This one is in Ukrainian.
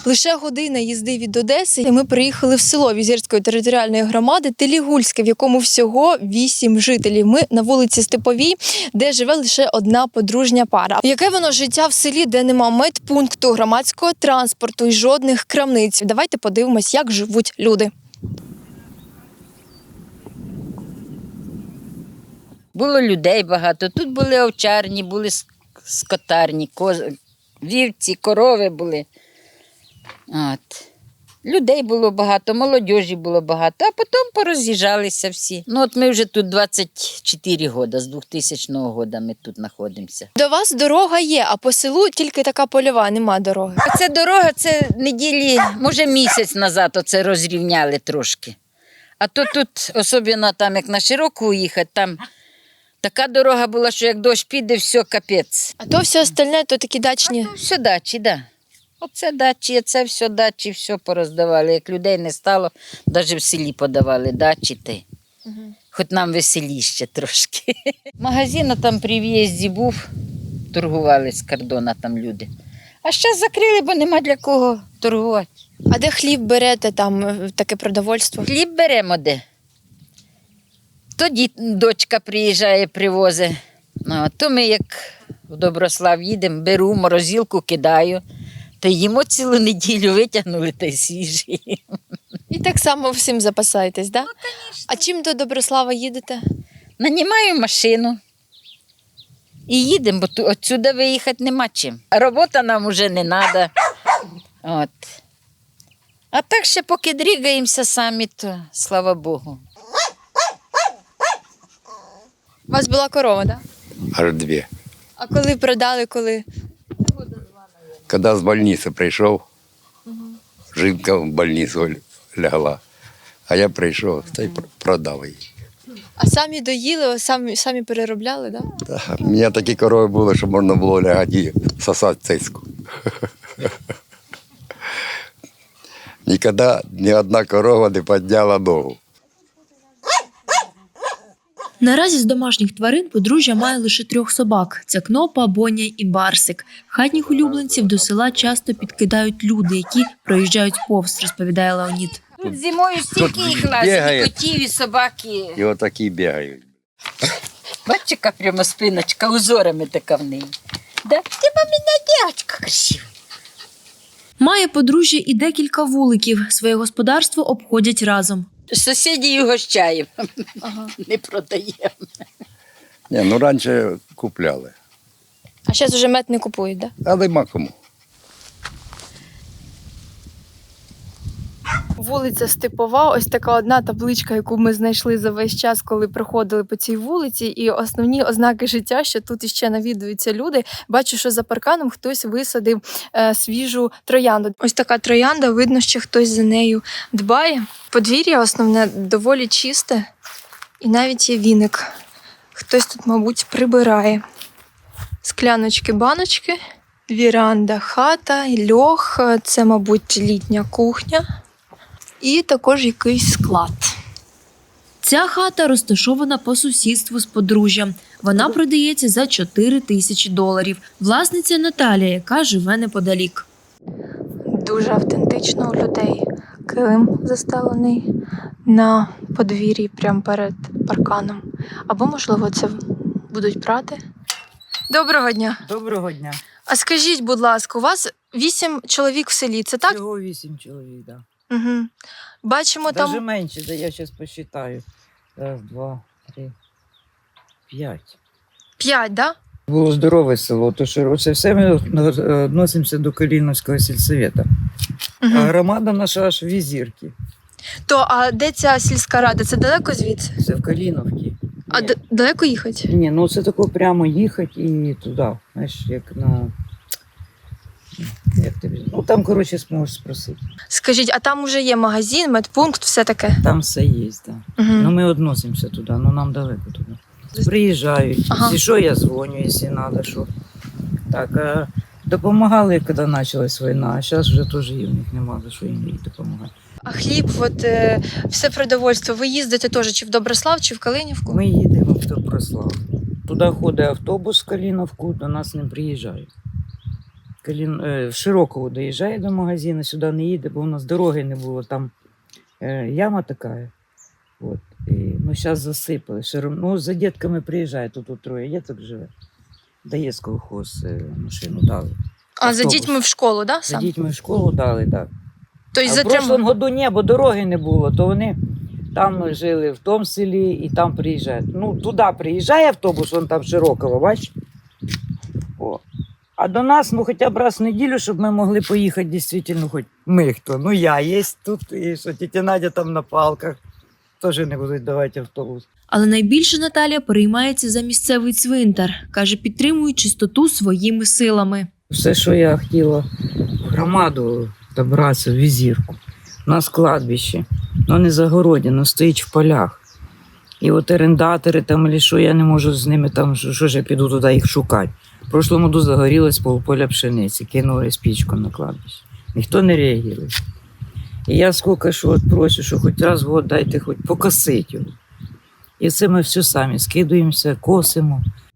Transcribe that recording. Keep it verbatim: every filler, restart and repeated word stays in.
Лише година їзди від Одеси, і ми приїхали в село Візирської територіальної громади Телігульське, в якому всього вісім жителів. Ми на вулиці Степовій, де живе лише одна подружня пара. Яке воно життя в селі, де нема медпункту, громадського транспорту і жодних крамниць? Давайте подивимось, як живуть люди. Було людей багато. Тут були овчарні, були скотарні, коз... вівці, корови були. От. Людей було багато, молодіжі було багато, а потім пороз'їжджалися всі. Ну от ми вже тут двадцять чотири роки, з двохтисячного року ми тут знаходимося. До вас дорога є, а по селу тільки така польова, нема дороги. Це дорога, це неділі, може місяць назад оце розрівняли трошки. А то тут, особливо там, як на Широку їхати, там така дорога була, що як дощ піде, все капець. А то все остальне, то такі дачні. А то все дачі, так. Да. Оце дачі, це все дачі, все пороздавали. Як людей не стало, навіть в селі подавали дачі. Та. Угу. Хоч нам веселіще трошки. Магазин там при в'їзді був, торгували з кордону там люди. А зараз закрили, бо нема для кого торгувати. А де хліб берете, там таке продовольство? Хліб беремо де. Тоді дочка приїжджає, привозить. Ну, то ми як в Доброслав їдемо, беру, морозилку кидаю. Та їмо цілу неділю, витягнули та й свіжі. І так само всім запасаєтесь, так? Да? Ну, а чим до Доброслава їдете? Нанімаю машину і їдемо, бо відсюди виїхати нема чим. Робота нам вже не треба. От. А так ще поки дрігаємося самі, то слава Богу. У вас була корова, так? Да? Аж дві. А коли продали, коли? Коли з больниці прийшов, угу. Жінка в больницю лягла, а я прийшов та й продав її. А самі доїли, самі, самі переробляли, так? Да? Так, у мене такі корови були, що можна було лягати і сосати цицьку. Ніколи ні одна корова не підняла ногу. Наразі з домашніх тварин подружжя має лише трьох собак – це Кнопа, Боня і Барсик. Хатніх улюбленців до села часто підкидають люди, які проїжджають повз, розповідає Леонід. Тут зимою стільки їх лазить, і котів, і собаки. І отакі бігають. Бачиш, яка прямо спиночка, узорами така в неї. Да? Ти мамина дівчинка красива. Має подружжя і декілька вуликів. Своє господарство обходять разом. Сусідів угощаємо, ага. Не продаємо. Ні, ну раніше купляли. А зараз вже мед не купують, так? Да? А нема кому. Вулиця Степова, ось така одна табличка, яку ми знайшли за весь час, коли проходили по цій вулиці. І основні ознаки життя, що тут іще навідуються люди. Бачу, що за парканом хтось висадив е, свіжу троянду. Ось така троянда, видно, що хтось за нею дбає. Подвір'я основне доволі чисте і навіть є віник. Хтось тут, мабуть, прибирає. Скляночки, баночки, віранда, хата, льох, це, мабуть, літня кухня. І також якийсь склад. Ця хата розташована по сусідству з подружжям. Вона продається за чотири тисячі доларів. Власниця Наталія, яка живе неподалік. Дуже автентично у людей. Килим застелений на подвір'ї прямо перед парканом. Або, можливо, це будуть прати. Доброго дня. Доброго дня. А скажіть, будь ласка, у вас вісім чоловік в селі, це так? Всього вісім чоловік, так. Угу. Бачимо Даже там... менше, да я зараз посчитаю. Раз, два, три, п'ять. П'ять, так? Да? Було здорове село, то що це все ми відносимося до Каліновського сільсовета. Угу. А громада наша аж в Візірки. То, а де ця сільська рада? Це далеко звідси? Це в Каліновці. А д- далеко їхати? Ні, ну це тако прямо їхати і туди. Знаєш, як на... Як тобі? Ну там, коротше, зможеш спросити. Скажіть, а там вже є магазин, медпункт, все таке? Там все є, так. Да. Угу. Ну ми відносимося туди, ну нам далеко туди. Приїжджають, Ага. якщо що, я дзвоню, якщо треба, що. Так, а допомагали, коли почалась війна, а зараз вже теж і в них немає, за що їм допомагати. А хліб, от, е, все продовольство, ви їздите теж чи в Доброслав, чи в Калинівку? Ми їдемо в Доброслав. Туди ходить автобус в Каліновку, до нас не приїжджають. Калін... е, в Широкову доїжджає до магазину, сюди не їде, бо у нас дороги не було, там е, яма така. От. І, ну, зараз засипали. Широм... Ну, за дітками приїжджає, тут, тут троє діток живе. Дає з колхоз е, машину дали. А за Автобус. дітьми в школу, да? За Сам? дітьми в школу дали, так. Тобто А в затримали. прошлому году ні, бо дороги не було, то вони там жили в тому селі і там приїжджають. Ну, туди приїжджає автобус, он там Широково, бачиш? О. А до нас, ну, хоча б раз в неділю, щоб ми могли поїхати, дійсно, хоч ми хто. Ну, я є тут, і що тітя Надя там на палках, теж не будуть давати автобус. Але найбільше Наталія переймається за місцевий цвинтар. Каже, підтримує чистоту своїми силами. Все, що я хотіла в громаду добратися, в Візірку. У нас кладбище, воно не загородено, стоїть в полях. І от орендатори там, або що, я не можу з ними там, що, що ж я піду туди їх шукати. В прошлому году загорілось полполя пшениці, кинули спічку на кладбище. Ніхто не реагує. І я скільки що от прошу, що хоч раз в год дайте хоч покосити його. І це ми все самі скидуємося, косимо.